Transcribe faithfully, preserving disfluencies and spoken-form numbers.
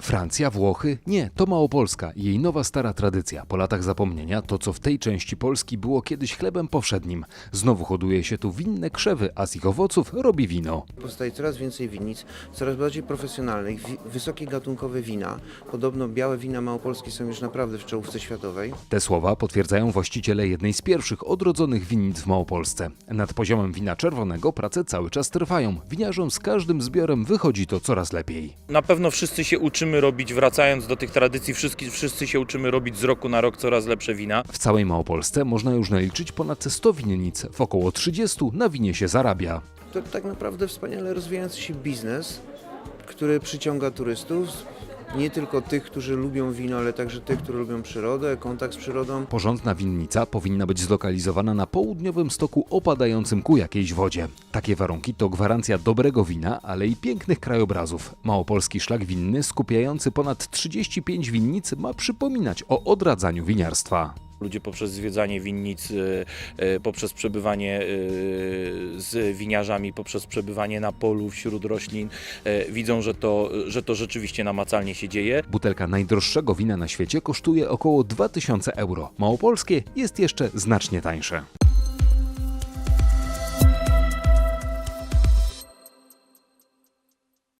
Francja, Włochy? Nie, to Małopolska i jej nowa stara tradycja. Po latach zapomnienia to, co w tej części Polski było kiedyś chlebem powszednim. Znowu hoduje się tu winne krzewy, a z ich owoców robi wino. Powstaje coraz więcej winnic, coraz bardziej profesjonalnych, wi- wysokie gatunkowe wina. Podobno białe wina małopolskie są już naprawdę w czołówce światowej. Te słowa potwierdzają właściciele jednej z pierwszych odrodzonych winnic w Małopolsce. Nad poziomem wina czerwonego prace cały czas trwają. Winiarzom z każdym zbiorem wychodzi to coraz lepiej. Na pewno wszyscy się uczymy robić, wracając do tych tradycji, wszyscy, wszyscy się uczymy robić z roku na rok coraz lepsze wina. W całej Małopolsce można już naliczyć ponad sto winnic. W około trzydziestu na winie się zarabia. To tak naprawdę wspaniale rozwijający się biznes, który przyciąga turystów. Nie tylko tych, którzy lubią wino, ale także tych, którzy lubią przyrodę, kontakt z przyrodą. Porządna winnica powinna być zlokalizowana na południowym stoku opadającym ku jakiejś wodzie. Takie warunki to gwarancja dobrego wina, ale i pięknych krajobrazów. Małopolski szlak winny skupiający ponad trzydzieści pięć winnic ma przypominać o odradzaniu winiarstwa. Ludzie poprzez zwiedzanie winnic, y, y, poprzez przebywanie y, z winiarzami, poprzez przebywanie na polu wśród roślin y, widzą, że to, że to rzeczywiście namacalnie się dzieje. Butelka najdroższego wina na świecie kosztuje około dwa tysiące euro. Małopolskie jest jeszcze znacznie tańsze.